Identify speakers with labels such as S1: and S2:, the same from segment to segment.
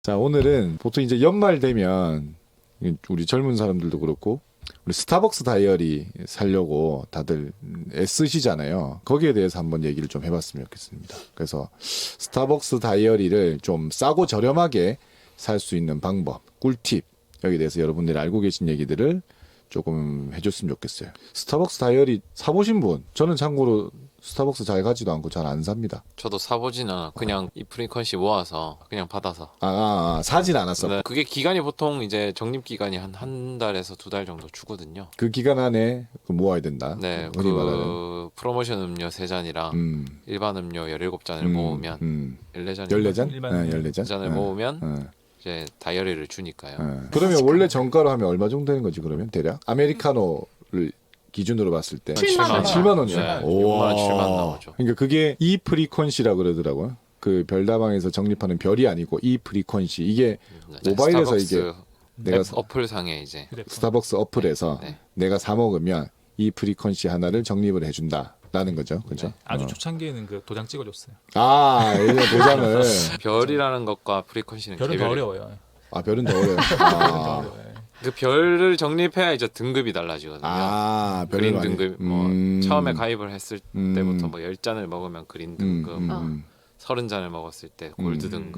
S1: 자, 오늘은 보통 이제 연말 되면 우리 젊은 사람들도 그렇고 우리 스타벅스 다이어리 사려고 다들 애쓰시잖아요. 거기에 대해서 한번 얘기를 좀 해봤으면 좋겠습니다. 그래서 스타벅스 다이어리를 좀 싸고 저렴하게 살 수 있는 방법, 꿀팁, 여기에 대해서 여러분들이 알고 계신 얘기들을 조금 해줬으면 좋겠어요. 스타벅스 다이어리 사보신 분? 저는 참고로 스타벅스 잘 가지도 않고 잘 안 삽니다.
S2: 저도 사보진 않아. 그냥 이 프리퀀시 모아서 그냥 받아서.
S1: 사진 않았어.
S2: 네, 그게 기간이 보통 이제 적립 기간이 한 달에서 2달 정도 주거든요.
S1: 그 기간 안에 모아야 된다.
S2: 네,
S1: 흔히 말하는.
S2: 그 프로모션 음료 3잔이랑 일반 음료 17잔을 모으면 14잔?
S1: 14잔?
S3: 일반
S1: 네, 14잔?
S2: 14잔을 모으면 이제 다이어리를 주니까요.
S1: 그러면 원래 정가로 하면 얼마 정도 되는 거지 그러면 대략? 아메리카노를 기준으로 봤을 때
S4: 7만 원.
S1: 7만 원이요?
S2: 네, 6만 원, 7만 원 나오죠.
S1: 그러니까 그게 이 프리퀀시라 그러더라고요. 그 별다방에서 적립하는 별이 아니고 이 프리퀀시 이게
S2: 네,
S1: 모바일에서
S2: 스타벅스
S1: 이게 내가
S2: 어플 상에 이제
S1: 스타벅스 어플에서
S2: 네.
S1: 내가 사 먹으면 이 프리퀀시 하나를 적립을 해준다라는 거죠. 그렇죠?
S2: 네.
S3: 아주 초창기에는 그 도장 찍어줬어요.
S1: 예전에 도장을
S2: 별이라는 것과 프리퀀시는
S3: 별은 더 어려워요.
S1: 별은 더 어려요.
S3: 어려워요.
S2: 그 별을 적립해야 이제 등급이 달라지거든요.
S1: 별을
S2: 그린
S1: 많이.
S2: 등급 처음에 가입을 했을 때부터 뭐 10잔을 먹으면 그린 등급, 30잔을 먹었을 때 골드 등급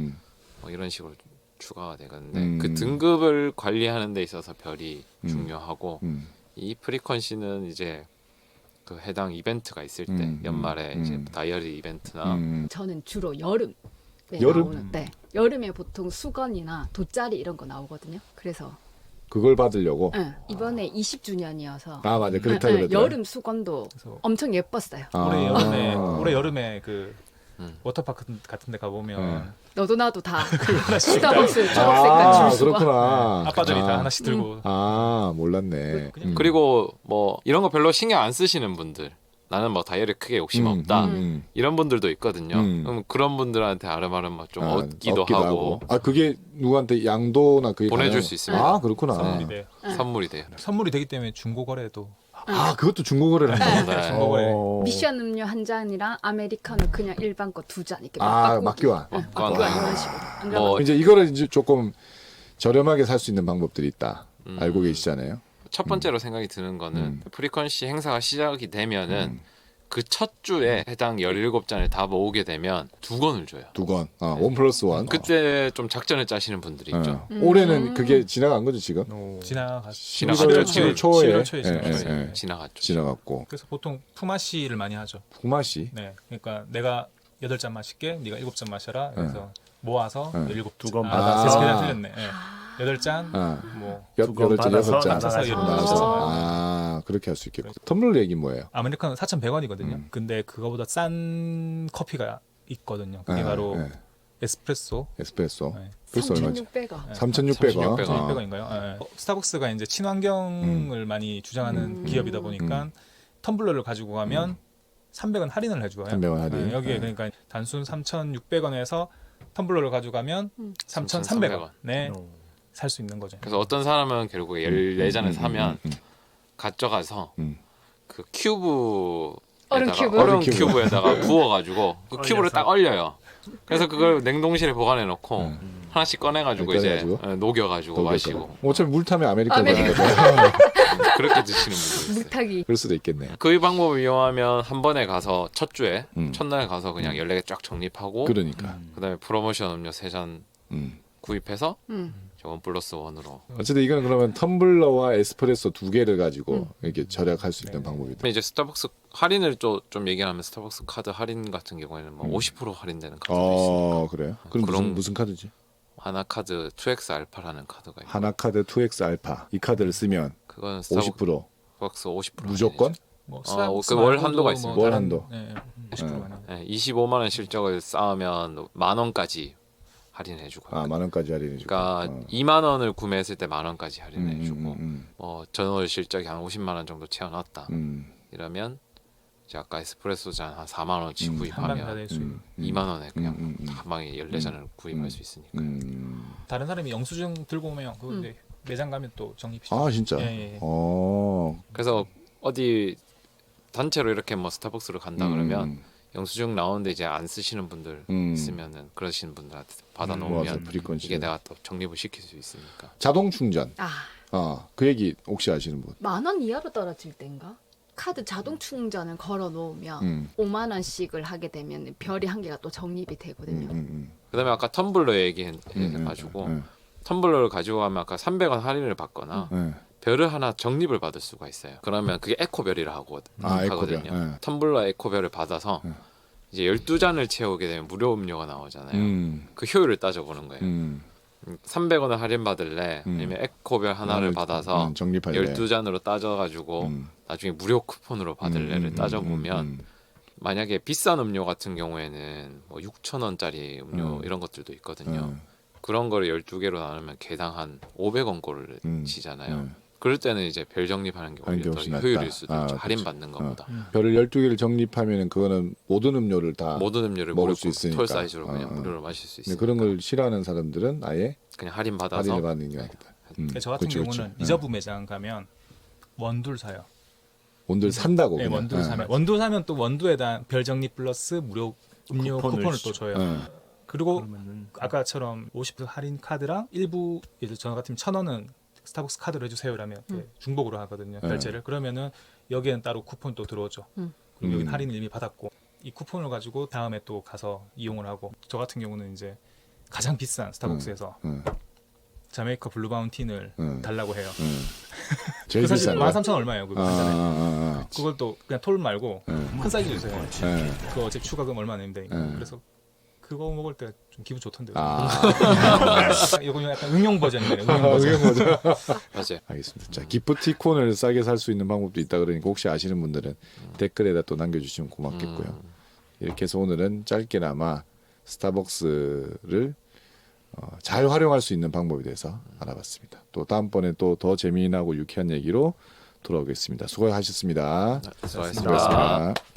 S2: 뭐 이런 식으로 추가가 되거든요. 그 등급을 관리하는 데 있어서 별이 중요하고 이 프리퀀시는 이제 그 해당 이벤트가 있을 때 연말에 이제 다이어리 이벤트나
S4: 저는 주로 여름.
S1: 여름?
S4: 여름에 보통 수건이나 돗자리 이런 거 나오거든요. 그래서
S1: 그걸 받으려고.
S4: 이번에 20주년이어서
S1: 맞아. 그렇다 그러더라.
S4: 여름 수건도
S3: 그래서
S4: 엄청 예뻤어요.
S3: 올해 여름에 그 워터파크 같은 데 가보면
S4: 너도 나도 다 스타벅스 초록색깔 줄 수건.
S1: 그렇구나.
S3: 아빠들이 다 하나씩 들고
S1: 몰랐네.
S2: 그리고 뭐 이런 거 별로 신경 안 쓰시는 분들 나는 뭐 다이어리 크게 욕심 없다 이런 분들도 있거든요. 그럼 그런 분들한테 아름아름 뭐좀 얻기도 하고
S1: 그게 누구한테 양도나 그게
S2: 보내줄
S1: 가능한-
S2: 수 있습니다.
S1: 그렇구나.
S3: 선물이 돼요.
S2: 선물이 돼요.
S3: 선물이 되기 때문에 중고거래도
S1: 그것도 중고거래를 한다.
S2: 네.
S3: 중고거래.
S4: 미션 음료 한 잔이랑 아메리카노 그냥 일반 거 2잔 이렇게
S1: 맞교환.
S4: 맞교환 이런 식으로. 안 그러면
S2: 뭐
S1: 이제 이거를 이제 조금 저렴하게 살 수 있는 방법들이 있다. 알고 계시잖아요.
S2: 첫 번째로 생각이 드는 거는 프리퀀시 행사가 시작이 되면은 그 첫 주에 해당 17잔을 다 모으게 되면 2권을 줘요.
S1: 2권. 1+1.
S2: 그때 좀 작전을 짜시는 분들이 있죠.
S1: 올해는 그게 지나간 거죠 지금?
S3: 지나갔죠.
S1: 11월 7일 초에
S3: 11월 초에 지나갔어요.
S1: 예.
S2: 지나갔죠.
S1: 지나갔고
S3: 그래서 보통 품앗이를 많이 하죠.
S1: 구마시.
S3: 네, 그러니까 내가 8잔 마실게, 네가 7잔 마셔라. 그래서 모아서 17두 권
S1: 받아서.
S3: 계산 틀렸네. 8잔, 뭐
S1: 여덟 잔, 여섯 잔.
S3: 합쳐서
S1: 나눠서 그렇게 할 수 있겠고. 텀블러 얘기 뭐예요?
S3: 아메리카노 4,100원이거든요. 근데 그거보다 싼 커피가 있거든요. 그게 바로 에스프레소.
S1: 에스프레소.
S3: 네.
S1: 벌써 얼마지?
S4: 3,600원.
S1: 3,600원.
S3: 1,600원인가요? 스타벅스가 이제 친환경을 많이 주장하는 기업이다 보니까 텀블러를 가지고 가면 300원 할인을 해줘요.
S1: 300원 할인.
S3: 여기에 그러니까 단순 3,600원에서 텀블러를 가져가면 3,300원에 살 수 있는 거죠.
S2: 그래서 어떤 사람은 결국에 14잔을 사면 가져가서 그 큐브
S4: 얼음 큐브?
S2: 얼음 큐브에다가 부어가지고 그 큐브를 딱 얼려요. 그래서 그걸 냉동실에 보관해 놓고 하나씩 꺼내가지고 이제 녹여가지고 마시고
S1: 어차피 물 타면 아메리카노 되는 거죠.
S2: 그렇게 드시는 분들 있어요.
S4: 물타기.
S1: 그럴 수도 있겠네.
S2: 그 방법을 이용하면 한 번에 가서 첫 주에 첫날 가서 그냥 14개 쫙 정립하고
S1: 그러니까.
S2: 그다음에 프로모션 음료 3잔 구입해서
S4: 음.
S2: 1+1으로
S1: 어쨌든 이건 그러면 텀블러와 에스프레소 2개를 가지고 이렇게 절약할 수 있는 방법이다.
S2: 근데 이제 스타벅스 할인을 좀 얘기하면 스타벅스 카드 할인 같은 경우에는 뭐 50% 할인되는 카드도 있습니다.
S1: 그래요? 그럼
S2: 그런-
S1: 무슨 카드지?
S2: 하나카드 2X 알파라는 카드가 있고
S1: 하나카드 2X 알파. 이 카드를 쓰면
S2: 그건
S1: 50%
S2: 스타벅스 50%
S1: 무조건?
S3: 뭐
S2: 그월 한도가 있습니다.
S1: 월 한도.
S3: 네, 50%가 아니에요.
S2: 네, 25만 원 실적을 쌓으면 만 원까지 할인해 주고.
S1: 만 원까지 할인해 주고.
S2: 그러니까 2만 원을 구매했을 때 만 원까지 할인해 주고 뭐 전월 실적이 한 50만 원 정도 채워놨다. 이러면 이제 아까 에스프레소 잔 한 4만 원치
S3: 한 방에 다
S2: 구입하면
S3: 낼 수 있는.
S2: 2만 원에 그냥 한 방에 14잔을 구입할 수 있으니까.
S3: 다른 사람이 영수증 들고 오면 그거 이제 매장 가면 또 적립시켜.
S1: 진짜?
S3: 예.
S2: 그래서 어디 단체로 이렇게 뭐 스타벅스를 간다 그러면 영수증 나오는데 이제 안 쓰시는 분들 있으면은 그러시는 분들한테 받아
S1: 맞아,
S2: 놓으면
S1: 프리퀀시.
S2: 이게 내가 또 적립을 시킬 수 있으니까.
S1: 자동 충전.
S4: 아,
S1: 그 얘기 혹시 아시는 분?
S4: 10,000원 이하로 떨어질 땐가? 카드 자동 충전을 걸어 놓으면 5만 원씩을 하게 되면 별이 한 개가 또 적립이 되거든요.
S2: 그다음에 아까 텀블러 얘기해가지고 텀블러를 가지고 가면 아까 300원 할인을 받거나 별을 하나 적립을 받을 수가 있어요. 그러면 그게 에코별이라 하거든요.
S1: 에코별.
S2: 텀블러 에코별을 받아서 이제 12잔을 채우게 되면 무료 음료가 나오잖아요. 그 효율을 따져보는 거예요. 300원을 할인 받을래? 아니면 에코별 하나를 받아서
S1: 적립할래.
S2: 12잔으로 따져가지고 나중에 무료 쿠폰으로 받을래를 따져보면 만약에 비싼 음료 같은 경우에는 뭐 6,000원짜리 음료 이런 것들도 있거든요. 그런 거를 12개로 나누면 개당 한 500원 꼴을 치잖아요. 그럴 때는 이제 별 적립하는 게
S1: 하는 게
S2: 오히려 더
S1: 훨씬 낫다.
S2: 효율일 수도 있죠.
S1: 그렇죠.
S2: 할인받는 것보다.
S1: 별을 12개를 적립하면 그거는 모든 음료를 다
S2: 모든 음료를
S1: 먹을
S2: 먹을
S1: 수 있으니까.
S2: 톨 사이즈로 그냥 무료로 마실 수
S1: 근데
S2: 있으니까.
S1: 그런 걸 싫어하는 사람들은 아예
S2: 그냥 할인 받아서
S1: 할인을 받는 게 낫겠다.
S3: 저 같은
S1: 그렇죠,
S3: 경우는
S1: 그렇죠.
S3: 리저브 매장 가면 원두를 사요.
S1: 원두를 산다고.
S3: 네,
S1: 그냥.
S3: 원두를 사면 원두 사면 또 원두에다 별 적립 플러스 무료 음료 쿠폰을 또 줘요. 그리고 아까처럼 50% 할인 카드랑 일부 예를 저 같으면 1,000원은 스타벅스 카드로 해주세요라면 중복으로 하거든요. 결제를. 그러면은 여기에는 따로 쿠폰 또 들어오죠. 그리고 여기 할인을 이미 받았고 이 쿠폰을 가지고 다음에 또 가서 이용을 하고 저 같은 경우는 이제 가장 비싼 스타벅스에서 자메이카 블루 바운틴을 달라고 해요.
S1: 제일
S3: 그 사실
S1: 비싼 거.
S3: 13,000원 얼마예요? 그거 한 잔에. 그걸 또 그냥 톨 말고 큰 사이즈 주세요. 그거 어차피 추가금 얼마 내면 되니까. 그래서 그거 먹을 때 좀 기분 좋던데요. 이거는 약간 응용 버전이네요. 응용 버전.
S2: 맞아요.
S1: 알겠습니다. 자, 기프티콘을 싸게 살 수 있는 방법도 있다 그러니까 혹시 아시는 분들은 댓글에다 또 남겨주시면 고맙겠고요. 이렇게 해서 오늘은 짧게나마 스타벅스를 잘 활용할 수 있는 방법에 대해서 알아봤습니다. 또 다음번에 또 더 재미나고 유쾌한 얘기로 돌아오겠습니다. 수고하셨습니다.
S2: 수고하셨습니다.
S1: 수고하셨습니다.